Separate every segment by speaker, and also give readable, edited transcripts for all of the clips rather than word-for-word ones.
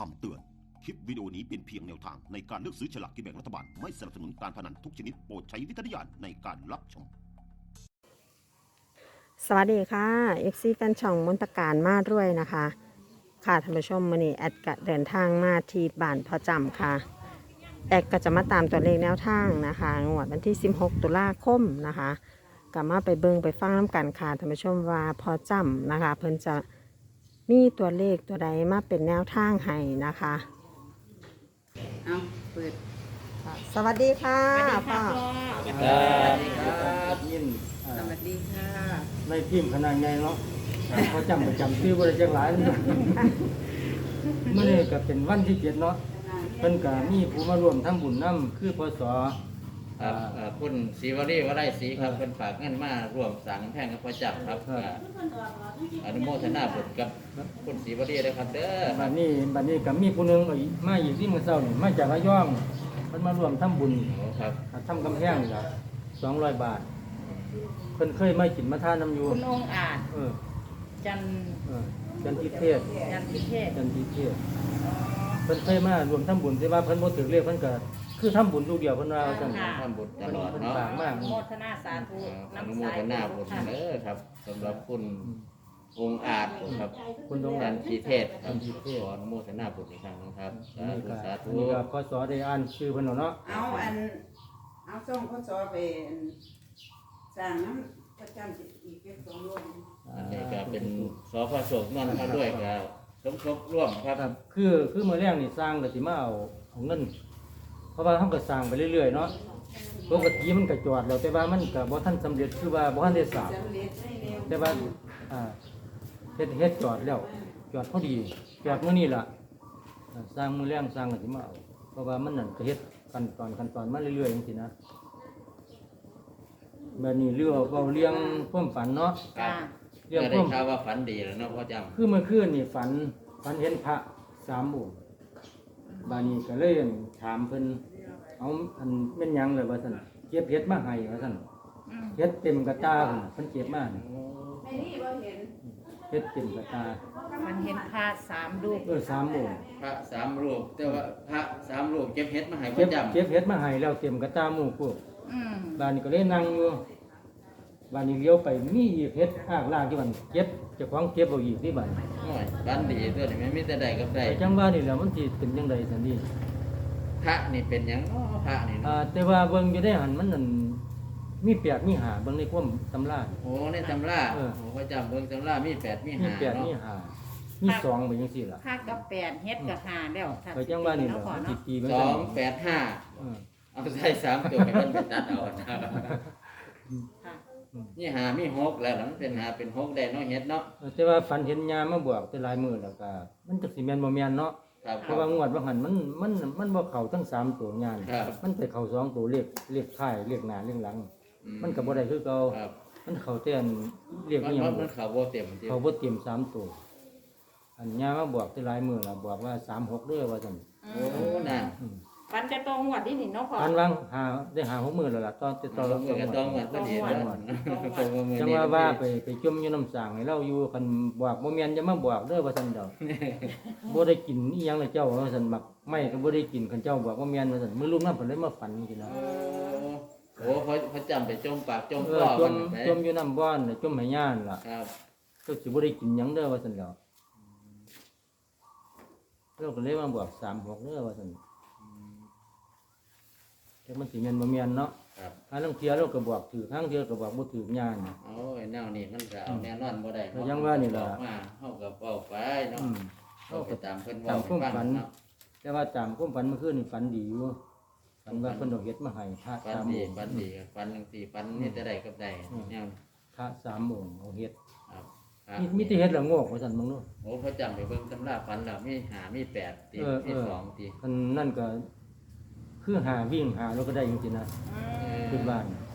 Speaker 1: คำเตือน คลิปวิดีโอนี้เป็นเพียงแนวทางในการเลือกซื้อฉลากกินแบ่งรัฐบาล ไม่สนับสนุนการพนันทุกชนิดโปรดใช้วิจารณญาณในการรับชม
Speaker 2: สวัสดีค่ะ FC แฟนช่องมนตการมาด้วยนะคะ ค่ะท่านผู้ชมมื้อนี้แอดก็เดินทางมาที่บ้านพ่อจำค่ะ แอดก็จะมาตามตัวเลขแนวทางนะคะงวดวันที่ 16 ตุลาคมนะคะก็มาไปเบิ่งไปฟังน้ำกันค่ะท่านผู้ชมว่าพ่อจำนะคะ เพิ่นจะมีตัวเลขตัวใดมาเป็นแนวทางให้นะคะ
Speaker 3: เอาเปิด
Speaker 2: สวัสดีค่ะ
Speaker 3: สวัสดีค่ะ
Speaker 2: พ่อ
Speaker 3: พ่อ
Speaker 4: สวัสดีครับยิน
Speaker 3: สวัสดีค่ะ
Speaker 4: ในทีมขนาดใหญ่เนาะเขาจำประจำชื่อบริจักหลายเนาะเมื่อนี้ก็เป็นวันที่7เนาะเพิ่นก็มีผู้มาร่วมทำบุญนำคือพศ
Speaker 5: ครับคุณศรีวรีวรัยศรีครับเป็นฝากเงินมาร่วมสั่งแพงกับพระจักรครับอนุโมทนาบุญกับคุณศรีวรีเลยครับเด้อ
Speaker 4: บัดนี้ก็มีผู้หนึงมาอีกที่มื้อเช้านี่มาจากระยองเพิ่นมาร่วมทำบุญ
Speaker 5: โอ้ครับ
Speaker 4: ทำกำแพงนี่ล่ะ200 บาทเพิ่นเคยมากินมาทานน้ำอยู่
Speaker 3: คุณองค์อาจ
Speaker 4: เออ
Speaker 3: จัน
Speaker 4: จันทิเทศ
Speaker 3: จันพิเทศ
Speaker 4: จันทิเทศเพิ่นเคยมารวมทำบุญแต่ว่าเพิ่นบ่ถึกเลขเพิ่นก็คือทำบุญลูกเดียวเพิ่นว่าว่าซั่น
Speaker 5: ทำบุญตลอดเนาะ
Speaker 4: ฝากมาก
Speaker 3: อนุโมทนาสาธุ
Speaker 5: อนุ
Speaker 3: น้ำ
Speaker 5: โม
Speaker 3: สาย
Speaker 5: ทนาบุญเด้อครับสำหรับคุณองค์อาจครับ
Speaker 4: คุณดวง
Speaker 5: จั
Speaker 4: จั
Speaker 5: น
Speaker 4: นทร์
Speaker 5: ทีเทศครับขออนุโมทนาบุญอีกครั้งหนึงครับสา
Speaker 4: นี่
Speaker 5: ธุ
Speaker 4: ก็
Speaker 5: สาธุ
Speaker 4: นี่ก็พศได้อ่านชื่อเพิ่นแล้วเนาะ
Speaker 6: เอาส่งข้อสอบไปสั่งน้ำประจำอีกเก็บสองโลก
Speaker 5: อันนี้ก็เป็นสพโศกนนท์มาด้วยกับสมทบร่วมครับ
Speaker 4: ครับคือมื้อแรกนี่สร้างก็สิมาเอาเงิน เพราะว่าเฮาก็สร้างไปเรื่อยๆเนาะปกติมันก็จอดแล้วแต่ว่ามันก็บ่ทันสำเร็จคือว่าบ่ทันได้สร้าง
Speaker 6: สำเร็จได้เร็ว
Speaker 4: แต่ว่าเฮ็ดจอดแล้วจอดพอดีจอดมื้อนี้ล่ะสร้างมื้อแรงสร้างก็สิมาเอาเพราะว่ามันนั่นก็เฮ็ดขั้นตอนมาเรื่อยๆจังซี่นะแบบนี้เรื่องเว้าเรื่องความฝันเนาะ
Speaker 5: ครับ
Speaker 4: เรื่อง
Speaker 5: ก็
Speaker 4: ค
Speaker 5: ได้
Speaker 4: วาม
Speaker 5: ข่าวว่าฝันดีแล้วเนาะพ่อจำ
Speaker 4: คือเมื่อคืนนี่ฝันเห็นพระ3องค์บาดนี้ก็เลยถามเพิ่นเอาอันแม่นหยังเลยว่าซั่นเก็บเฮ็ดมาให้ว่าซั่นเฮ็ดเต็มกระตาเพิ่นเก็บมานี่
Speaker 6: ในนี่เราเห็น
Speaker 4: เฮ็ดเต็มกระตา
Speaker 3: มันเห็นพระสามรูป
Speaker 4: 3องค์
Speaker 5: พระสามรูปแต่ว่าพระสามรูปเก็บเฮ็ดมาให้พ่
Speaker 4: เก็
Speaker 5: อบ จำ
Speaker 4: เก็บเฮ็ดมาให้แล้วเต็มกระตาหมู่พวก
Speaker 3: อืม
Speaker 4: บาดนี้ก็เลยนั่งอยู่บาดนี้เลี้ยวไปมีอีกเฮ็ดอ้างล่างที่มันเก็บเจ้าของเก็บเอาอีกที่บัด
Speaker 5: โอ้ยฝันดีตัวนี้ไม่มีแต่ใดกับใด
Speaker 4: แต่จังว่านี่แหล้วมันสิเป็นจังไดซั่นนี่
Speaker 5: พระนี่เป็นหยังเนาะพระนี่เนาะ
Speaker 4: แต่ว่าเบิ่งอยู่ได้หันมันนั่นมีแปดมีหาเบิ่งในความตำรา
Speaker 5: โอ้ในตำรา
Speaker 4: เออ
Speaker 5: โอ้พ่อจำเบิ่งตำรามี8มี
Speaker 4: มี
Speaker 5: 5
Speaker 4: แปด
Speaker 5: เนาะ
Speaker 4: มีหามีสองไปจังซี่ล่ะ
Speaker 3: พระกับแปดเฮ็ดกับหาแล้วถ้
Speaker 4: ไปจังว่านี่แห
Speaker 3: เนาะ
Speaker 4: ละ
Speaker 3: พ่อ
Speaker 4: มันสิ
Speaker 3: เนาะ
Speaker 4: ตีมัน
Speaker 5: ส
Speaker 4: จั
Speaker 5: อง งแปดห้า
Speaker 4: เออ
Speaker 5: เอาใส่สามตัวให้มันเป็นตัดเอานะ
Speaker 3: ค่ะ
Speaker 5: นี่หามีหกแล้วล่ะมันเป็นหาเป็นหกได้เนาะเฮ็ดเนาะ
Speaker 4: แต่ว่าฝันเห็นยามมาบอกแต่หลายมื้อแล้วก็มันจักสิแม่นบ่แม่นเนาะ
Speaker 5: ครับ
Speaker 4: เพราะว่างวดว่าหันมันบ่เข้าทั้งสามตัวงาน
Speaker 5: ครับ
Speaker 4: มันไปเข้าสองตัวเลขท้ายเลขหน้าเลขหลัง มันก็บ่ได้คือเก่า
Speaker 5: ครับ
Speaker 4: มันเข้าแต่อันเลข
Speaker 5: มัน
Speaker 4: อีหยัง
Speaker 5: มันเขาบ่เต็มที่
Speaker 4: เขาบ่เตรียมสามตัวอันยามมาบอกแต่หลายมื้อล่ะบอกว่า36เด้อว่าซั่น
Speaker 5: โอ้น่ะ
Speaker 3: ฟันจะตรงหวดที่นี่เนาะพ่อ
Speaker 4: อันวางได้หา6มื้อแล้วล่ะตอนติดต่อ
Speaker 5: เราเมื่อกันต้องเหมือนพอดีนะตัวมือ
Speaker 4: จัง
Speaker 5: นี้
Speaker 4: ว่าไปจมอยู่น้ำสางให้เราอยู่คันบอกบ่แม่นจะมาบอกเด้อว่าซั่นดอก บ่ได้กินอีหยังเลยเจ้าว่าซั่นมักไม่ก็บ่ได้กินคันเจ้าบอกว่าแม่นว่าซั่นมื้อรุ่มนั้นเพิ่นเลยมาฝันจังซี่นะ
Speaker 5: โอ้เขาจำไปจมปากจม
Speaker 4: เอ
Speaker 5: ค
Speaker 4: อ
Speaker 5: อ
Speaker 4: จ
Speaker 5: มั
Speaker 4: ม
Speaker 5: นไป
Speaker 4: จมอยู่น้ำบ่อนน่ะจมให้ย่านล่ะ
Speaker 5: ครับ
Speaker 4: ก็สิบ่ได้กินหยังเด้อว่าซั่นดอกเราก็เลยมาบอก36เด้อว่าซั่นแต่มันสิแม่นบ่แม่นเนาะ
Speaker 5: ครับ
Speaker 4: ถ้าลางเที่ยเราก็บอกถือครั้งเที่ยก็บอกบ่ถือย่าน
Speaker 5: โอ้ยแนวนี้มันก็เอาแน่นอนบ่ได้
Speaker 4: แล้วยังว่านี่ล่ะ
Speaker 5: มาเฮาก็เว้าไปเนาะ
Speaker 4: อืม
Speaker 5: เฮาก็ตามเพิ่น
Speaker 4: ตา
Speaker 5: เว้าม ให้
Speaker 4: ความ
Speaker 5: ฟั
Speaker 4: ฝั
Speaker 5: ง
Speaker 4: น
Speaker 5: เนาะ
Speaker 4: แต่ว่าตามความฝันเมื่อคืนนี่ฝันดีอยู่ฝันว่าเพิ่นเอาเฮ็ดมาให้พระ
Speaker 5: ฟัน
Speaker 4: สาม
Speaker 5: ดี
Speaker 4: องค์
Speaker 5: ฟันดีฟันจังซี่ฟันนี่แต่ใดกับใดแนว
Speaker 4: พระสามองค์เอาเฮ็ด
Speaker 5: ครับ
Speaker 4: มีแต่เฮ็ดละโงกว่าซั่นมึงเนาะ
Speaker 5: โอ้เขาจำไปเบิ่งตำราฟันแล้วมีหามีแปดตี
Speaker 4: เออ
Speaker 5: มีสองตี
Speaker 4: อันนั่นก็คือหาวิ่งหาแล้วก็ได้จริงๆนะขึ้นบ้าน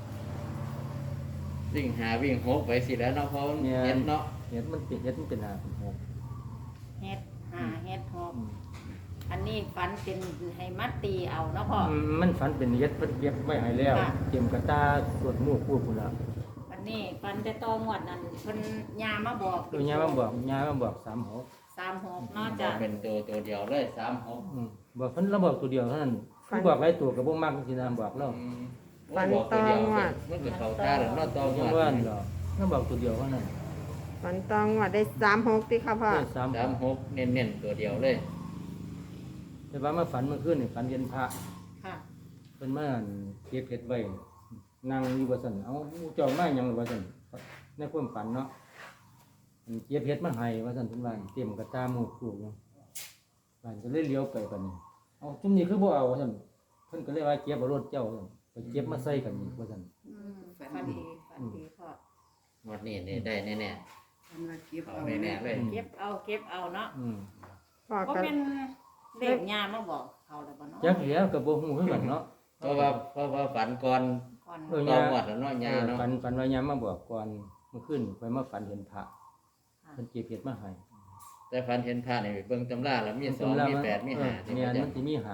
Speaker 5: วิ่งหาวิ่งหกไปสิแล้วเนาะเพราะมัน
Speaker 4: เนี่ย
Speaker 5: เฮ็ดเนาะ
Speaker 4: เฮ็ดมันเป็นหาเป็นหก
Speaker 3: เฮ็ดหาเฮ็ดหอบอันนี้ฟันเป็นให้มัดตีเอาเนาะพ่อ
Speaker 4: มันฝันเป็นเฮ็ดเพิ่นเก็บไว้ให้แล้ว
Speaker 3: ค่ะ
Speaker 4: เตรียมกระตาสวดหมู่พูดพุ่นล่ะ
Speaker 3: อันนี้ฟันจะตองหวดนั่นเพิ่นยามาบอก
Speaker 4: ตัวยามาบอก36
Speaker 3: 36เนาะ
Speaker 5: จะ
Speaker 3: จ้ะ
Speaker 5: เป็นตัวเดียวเลย36
Speaker 4: บอกเพิ่นเราบอกตัวเดียวเท่านั้นเพิ่นบอกหลายตัวก็บ่มักสินะบอกเรา
Speaker 5: บอกตัวเดียวมันก็เข้าตาแล้วเนาะตอง
Speaker 4: ยัง
Speaker 5: ว่า
Speaker 4: ว่านี่ดอกเราบอกตัวเดียวเท่านั้น
Speaker 2: ฝันตองว่าได้36ติค่ะพ่อ
Speaker 4: ได้3
Speaker 5: 36เน้นๆตัวเดียวเลย
Speaker 4: แต่ว่ามาฝันเมื่อคืนนี่ฝันเห็นพระ
Speaker 3: ค่ะ
Speaker 4: เพิ่นมาเก็บเห็ดไว้นั่งอยู่ว่าซั่นเอาเจ้ามาหยังว่าซั่นในความฝันเนาะเก็บเห็ดมาให้ว่าซั่นเพิ่นว่าเตรียมกระตาหมู่ปลูกอยู่บ้านก็เลยเลี้ยวไปบัดนี้เอาจุ่มนี้คือบ่เอาว่าซั่นเพิ่นก็เลยว่าเก็บเอารถเจ้าว่าซั่นไปเก็บมาใส่กันนี่ว่าซั่น
Speaker 3: ฝันดีพ่อ
Speaker 5: หมดนี่นี่ได้แน่
Speaker 6: อันว่าเก็บ
Speaker 5: ๆเอา
Speaker 6: เอา
Speaker 5: แน่ๆเลย
Speaker 3: เก็บเอาเนาะ
Speaker 2: พ่อ
Speaker 3: ก็
Speaker 2: ก็
Speaker 3: เป็นเลขยามาบอกเขาแล้วบ่เนาะ
Speaker 4: จักแล้วก็บ่ฮู้คือกันเนาะ
Speaker 5: เพราะว่าฝันก่อน
Speaker 3: ก่อน
Speaker 4: เออ
Speaker 5: ตองหมดแล้วเนาะยาเนาะ
Speaker 4: ฝันว่ายามมาบอกก่อนเมื่อคืนไปมาฝันเห็นพระเพิ่นเก็บเห็ดมาให้
Speaker 5: แต่ฝันเห็นพระนี่เบิ่งตำราแล้วมี2มี8มี5ที่
Speaker 4: เนี่ย
Speaker 5: เขาจะ
Speaker 4: มันสิมี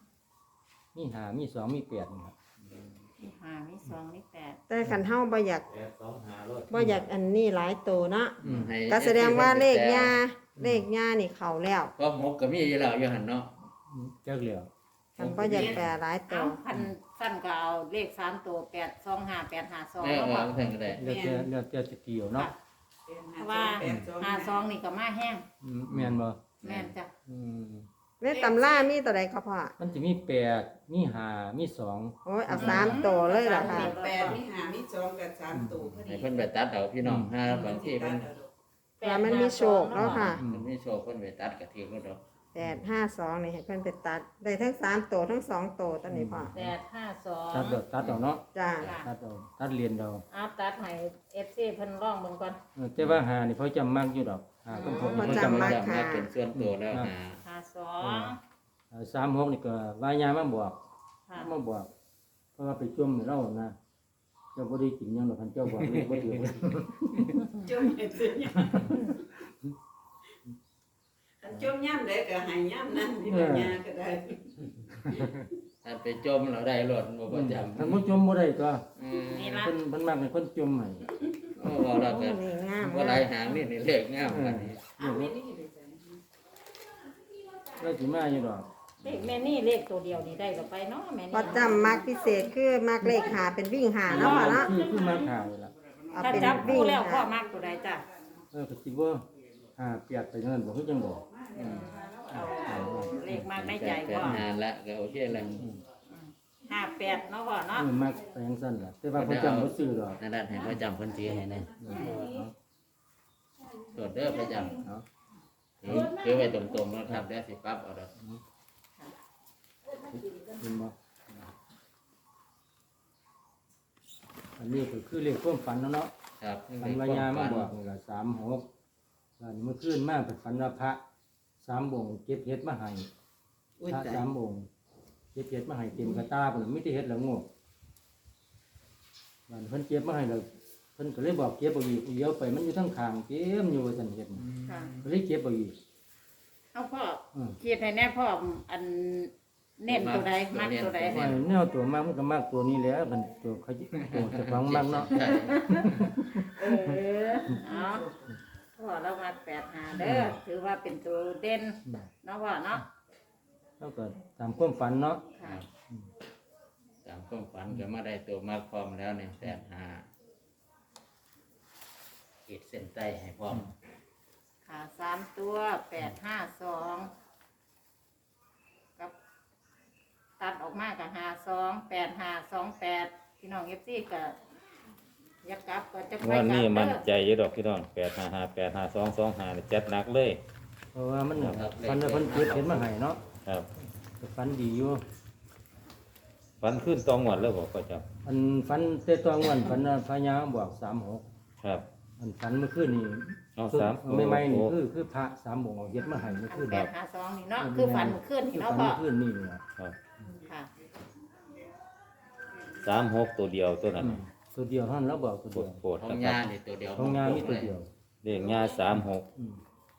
Speaker 4: 5มี5มี2มี8นี่ครับ
Speaker 3: มี5มี2มี8
Speaker 2: แต่คันเฮาบ่อยาก
Speaker 5: 2 5รถ
Speaker 2: บ่อยากอันนี้หลายโตเนาะ
Speaker 5: ให้
Speaker 2: ก็แสดงว่าเลขย่านี่เข้าแล้ว
Speaker 5: ก็หกก็มีอยู่แล้วอยู่หั่นเนาะ
Speaker 4: จักแล้ว
Speaker 2: คันบ่อยากแปลหลายโต
Speaker 3: เอาพันสั้นก็เอาเลข3ตัว825 852
Speaker 5: แม่
Speaker 3: เนาะ
Speaker 5: ว่า
Speaker 3: พ่อ
Speaker 5: เพิ่นก็ได้
Speaker 4: เลือกจะเกี่ยวเนาะ
Speaker 3: เพราะว่า52นี่ก็มาแห้ง
Speaker 4: แม่นบ่
Speaker 3: แม่นจ้ะ
Speaker 4: อืม
Speaker 2: ในตำรามีตัวใดครับพ่อ
Speaker 4: มันจะมี8มี5มี2
Speaker 2: โอ้ยเอา3โตเลยล่ะค่ะ
Speaker 6: แปดมีห้ามีสองกับสามตัวพอดี
Speaker 5: ให้เพิ่นไปตัดเอาพี่น้องห้าบางทีเพิ่น
Speaker 2: แล้วมันมีโชคเนาะค่ะ
Speaker 5: มันมีโชคเพิ่นไปตัดก็ถือก็ดอก
Speaker 2: 852นี่ให้เพิ่นไปตัดได้ทั้ง3โตทั้ง2โตตอนนี้พ่อ
Speaker 3: 852
Speaker 4: ตัดเอาเนาะ
Speaker 2: จ้า
Speaker 4: ตัดเอาตัดเรียนเอา
Speaker 3: เอาตัดให้ FC เพิ่นลองเบิ่งก่อน
Speaker 4: แต่ว่าหานี่เขาจำมากอยู่ดอกหากับผม
Speaker 2: เขา
Speaker 4: เขา
Speaker 2: จำ
Speaker 4: จำ
Speaker 2: มาม
Speaker 4: าก ก
Speaker 2: ค่ะ
Speaker 5: เป็นส่วนตัวแล้วหา
Speaker 3: 52
Speaker 4: 36นี่ก็วายามาบอก
Speaker 3: ค่ะ
Speaker 4: มาบอก เพราะว่าไปจุ่มให้เรานะเจ้าบ่ได้กินหยังดอกคันเจ้าบอกเลยบ่ถือ
Speaker 6: จุ่มเห็ดสิอันจุ่มย่ำได้ก็ใหายย่ำนั่นที่ปัญญาก็ได้
Speaker 5: ถ้าไปจมเราได้รถบ่ประจำ
Speaker 4: คันบ่จุ่มบ่ได้ก็
Speaker 3: นี่ละ
Speaker 4: เพิ่นมักให้คนจุ่มให้
Speaker 5: โอ้บ่แล้วก็
Speaker 2: นี่งาม
Speaker 5: บ่หลายหางนี่เลขงามอันนี้
Speaker 6: อ้าวไม่นี่เลยจ้ะ
Speaker 4: แล้วสิมาอยู่ดอก
Speaker 3: เลขแม่นี่เลขตัวเดียวนี่ได้ก็ไปเนาะแม่นี่
Speaker 2: พอจำมักพิเศษคือมักเลขหาเป็นวิ่งหาเนาะพ่อเนาะ
Speaker 4: คือมาขายล่ะ
Speaker 2: เอา
Speaker 3: ถ้า
Speaker 2: เป็น
Speaker 3: จับ
Speaker 2: วิ่
Speaker 3: คู่
Speaker 2: ง
Speaker 3: แล้วพ่อ
Speaker 2: หา
Speaker 3: มักตัวใดจ้ะ
Speaker 4: ก็สิบ่เปียกไปนั่นบ่คือจังบ่
Speaker 3: เอาเลขมากในใจ
Speaker 5: แป
Speaker 3: พ่อ
Speaker 5: ดหาละก็โอเคแล้ว
Speaker 3: 58เนาะพ่อเนาะ
Speaker 4: มักไปจังซั่นล่ะแต่ว่าเขาจำบ่ซื้อดอก
Speaker 5: นั่นให้ประจำเพิ่นสิให้แน่ตรวจเด้อประจำ
Speaker 4: เอา
Speaker 5: ถือไว้ตรงๆนะครับแล้วสิปรับเอาดอก
Speaker 4: เห็นบ่อันนี้ก็คือเลขความฝันเนาะ
Speaker 5: ครับ
Speaker 4: ฝันวายามาบอกนี่ละ36แล้วนี่เมื่อคืนมาเป็นฝันว่าพระ3องค์เก็บเห็ดมาให้
Speaker 6: อุ้ย
Speaker 4: พระ
Speaker 6: ตาย
Speaker 4: 3องค์เก็บเห็ดมาให้เต็มกระตาเพิ่นมีแต่เห็ดละโงกมันเพิ่นเก็บมาให้แล้วเพิ่นก็เลยบอกเก็บบ่อีกเดี๋ยวไปมันอยู่ทั้งข้างเต็มอยู่ว่าซั่นเห็ดน่ะ
Speaker 3: ค่ะ
Speaker 4: ก็เลยเก็บบ่อีก
Speaker 3: เอาพ่อ
Speaker 4: อือ
Speaker 3: คิดให้แน่พ่ออันเน้นตัวใดมักตัวใด
Speaker 4: ว่าแนวตัวมากมันก็มากตัวนี้แหล้วมันตัวเขาตัวเจ้าของมากเนาะ
Speaker 3: เออเอาพ่อเรามา85เด้อถือว่าเป็นตัวเด่นเนาะพ่อเนาะ
Speaker 4: แล้วก็ตามความฝันเนาะ
Speaker 3: ค่ะ
Speaker 5: ตามความฝันก็มาได้ตัวมาพร้อมแล้วเนี่ย85ขีดเส้นใต้ให้พร้อม
Speaker 3: ค่ะ3ตัว852กับตัดออกมากับ528528พี่น้อง FC ก็อยากกลับก็จะไป
Speaker 7: วันนี้
Speaker 3: กลั
Speaker 7: มัน
Speaker 3: บเด้อ
Speaker 7: ใจอยู่ดอกพี่น้อง855 85225นี่จัดหนักเลย
Speaker 4: เพราะว่ามันฝันว่าเพิ่นเก็บเห็ดมาให้เนาะ
Speaker 7: ครับ
Speaker 4: ก็ฝันดีอยู่
Speaker 7: ฟันขึ้นตองหวดแล้วบอกก็จับ
Speaker 4: อันฝันแต่ตัวงวนฝันว่าพญาบอก36
Speaker 7: ครับ
Speaker 4: อันฝันเมื่อคืนนี่
Speaker 7: เอาสาม
Speaker 4: ใหม่ๆนี่
Speaker 7: โอ้
Speaker 4: คือพระ3องค์เอาเฮ็ดมาให้เมื่อคืน
Speaker 3: 852นี่เนาะคือฝันเมื่อคืน
Speaker 4: คื
Speaker 3: นี่
Speaker 4: อ
Speaker 3: เนาะ
Speaker 4: ฝัน
Speaker 3: พ่อ
Speaker 4: เมื่อคืนนี่เนี่ย
Speaker 7: ครับ
Speaker 3: ค่ะ
Speaker 7: 36ตัวเดียวตัวนั้น
Speaker 4: ตัวเดียวเท่านั้นแล้วบอกตัว
Speaker 7: โปร
Speaker 4: เดียว
Speaker 7: ดโปรด
Speaker 5: ขอ
Speaker 7: นะ
Speaker 5: ง
Speaker 7: ครั
Speaker 5: ยา
Speaker 7: บ
Speaker 5: นี่ตัวเดียว
Speaker 4: ของงานมีตัวเดียว
Speaker 7: เลขงา36
Speaker 4: อืม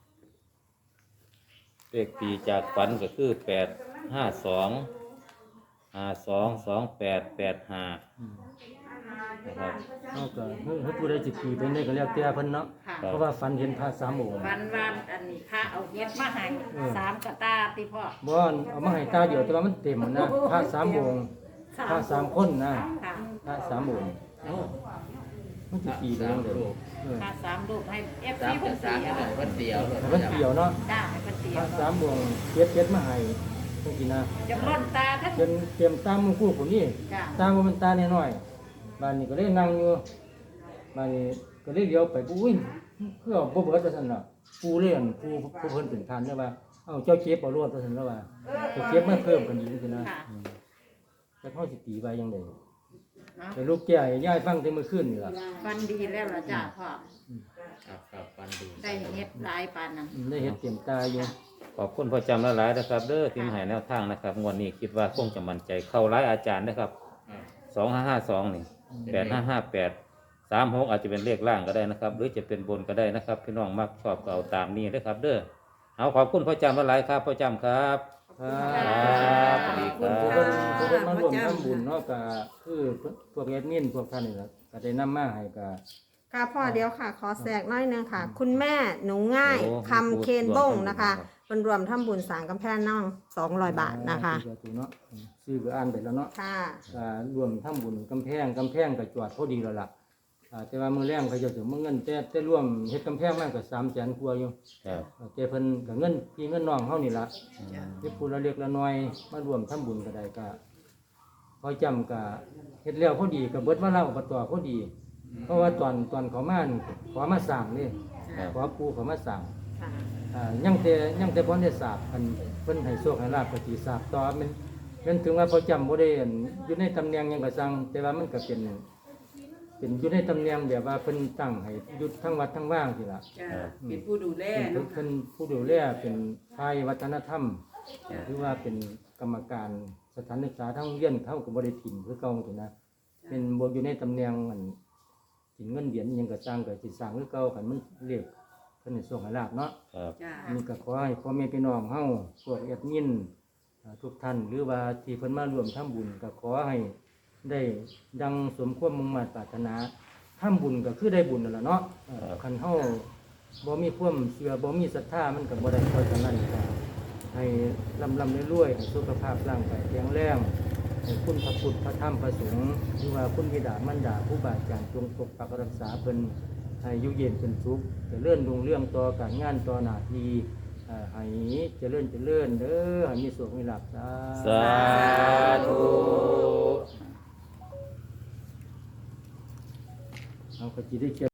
Speaker 7: เลขปีจากฝันก็คือ852 52 28 85
Speaker 4: อืม
Speaker 7: นะครับ
Speaker 4: เอาก็เฮ้ยผู้ใดสิตีไปได้ก็แล้วแต่เพิ่นเนาะ
Speaker 3: ค่ะ
Speaker 4: เพราะว่าฝันเห็นพระ3องค์
Speaker 3: วันอันนี้พระเอาเฮ็ดมาให้3กระตาติพ่อ
Speaker 4: บ่เอามาให้ตาเดียวแต่ว่ามันเต็มนะพระ3องค์พระ3คนนะ
Speaker 3: ค่ะ
Speaker 4: พระ3องค์มันสิตีไปจังได๋
Speaker 3: พระ3รูปให้ FC
Speaker 5: สาม
Speaker 3: เพิ่น
Speaker 5: สาม
Speaker 3: เสีย
Speaker 5: เพิ่นเตียว
Speaker 4: ให้มันเกี่ยวเนาะ
Speaker 3: จ้าให้เพิ่นเสี
Speaker 4: พ
Speaker 3: ย
Speaker 4: ระ3องค์เก็บมาให้จังซี่นะ
Speaker 3: จะล้นตาท่าน
Speaker 4: เตรียมตามมือคู่ผมนี่
Speaker 3: จ้า
Speaker 4: ตามว่ามันตาน้อยๆบ้านนี้ก็เลยนั่งอยู่บ้านนี้ก็เลยเลี้ยวไปปุ้ยเพื่อบ่เบิดว่าซั่นน่ะปูเล่นผู้เพิ่นเป็นทานเด้อว่าเอ้าเจ้าเก็บเอารวดว่าซั่นแล้วว่าเจ้าเก็บมาเพิ่มกันอีกจังซี่นะ
Speaker 3: ค่ะ
Speaker 4: แล้วเฮาสิตีไว้จังได๋
Speaker 3: เนาะ
Speaker 4: แต่ลูกแก่ให้ยายฟังแต่มื้อคืนนี่ล่ะ
Speaker 3: ฟันดีแล้วล่ะจ้าพ่อ
Speaker 5: ครับปันดู
Speaker 3: ได้เฮ็ดหลายปานนั้น
Speaker 4: ได้เฮ็ดเตรียมตาอยู่
Speaker 7: ขอบคุณพ่อจำหลายๆนะครับเด้อที่มาให้แนวทางนะครับงวดนี้คิดว่าคงจะมั่นใจเข้าหลายอาจารย์นะครับ2552นี่8558 36อาจจะเป็นเลขล่างก็ได้นะครับ หรือจะเป็นบนก็ได้นะครับ พี่น้องมักชอบก็เอาตามนี้นะครับ เด้อเอาขอบคุณพ่อจำหลายๆครับพ่อจำครับ
Speaker 4: ครับ
Speaker 7: สวัสดีครั
Speaker 4: ผู้
Speaker 7: บ
Speaker 4: เพิ่นมาร่วมทำบุญเนาะก็คือพวกแอดมินพวกท่านนี่ล่ะก็ได้นำมาให้ก็
Speaker 2: ค่ะพ่อเดียวค่ะ ขอแทรกน้อยหนึงค่ะ คุณแม่หนูง่ายคำเคนบ้งนะคะเป็นรวมทำบุญสร้างกำแพงน้อง200 บาทนะคะ
Speaker 4: เนาะชื่อก็อ่านไปแล้วเนาะ
Speaker 2: ค่ะ
Speaker 4: รวมทำบุญกำแพงก็จอดพอดีแล้วล่ะแต่ว่ามื้อแรงเขาเจะถึงเงินแต่รวมเฮ็ดกำแพงมันก็300,000กว่าอยู่
Speaker 7: ครับ
Speaker 4: แต่เพิ่นก็เงินพี่เงินน้องเฮานี่ล่ะเฮ็ดผู้ละเล็กละน้อยมารวมทำบุญก็ได้ก็พอจำก็เฮ็ดแล้วพอดีก็เบิดมาเล่าอบตพอดี เพราะว่าตอนเขามานี่ขอมาสร้างนี่
Speaker 7: ครับ
Speaker 4: ขอปู่เขามาสร้าง
Speaker 2: ค่ะ
Speaker 4: ยังแต่บ่ได้ทราบอันเพิ่นให้โชคให้ลาภก็สิทราบต่อมันถึงว่าพอจำบ่ได้อันอยู่ในตำแหน่งหยังก็สั่งแต่ว่ามันก็เป็นอยู่ในตำแหน่งแบบว่าเพิ่นตั้งให้อยู่ทั้งวัดทั้งว่างสิล่ะ
Speaker 6: จ้าเป็นผู้ดูแล
Speaker 4: เป็น
Speaker 6: เนาะ
Speaker 4: เพิ่นผู้ดูแลเป็นฝ่ายวัฒนธรรมหรือว่าเป็นกรรมการสถานศึกษาทั้งโรงเรียนเขาก็บ่ได้ถิ่มคือเก่าสินะเป็นบ่อยู่ในตำแหน่งอันสินเงินเหรียญอิหยังก็สร้างก็สิสร้างคือเก่าคันมันเรียกเพิ่นให้โชคให้ลาภเนาะ
Speaker 7: ครับ
Speaker 6: จ้า
Speaker 4: อันนี้ก็ขอให้พ่อแม่พี่น้องเฮาพวกแอดมินทุกท่านหรือว่าที่เพิ่นมาร่วมทำบุญก็ขอให้ได้ดังสมความมุ่งมั่นปรารถนาทำบุญก็คือได้บุญนั่นแหละเนาะคันเฮาบ่มีความเชื่อบ่มีศรัทธามันก็บ่ได้เพราะฉะนั้นก็ให้ร่ำรวยๆให้สุขภาพร่างกายแข็งแรงให้คุณพระพุทธพระธรรมพระสงฆ์หรือว่าคุณบิดามารดาผู้บาอาจารย์จงปกปักรักษาเพิ่นให้อยู่เย็นเป็นสุขเจริญรุ่งเรืองต่อการงานต่อหน้าที่ให้เจริญเด้อให้มีสุขมีลาภ
Speaker 7: สาธุ
Speaker 4: เอาก็สิได้เขียน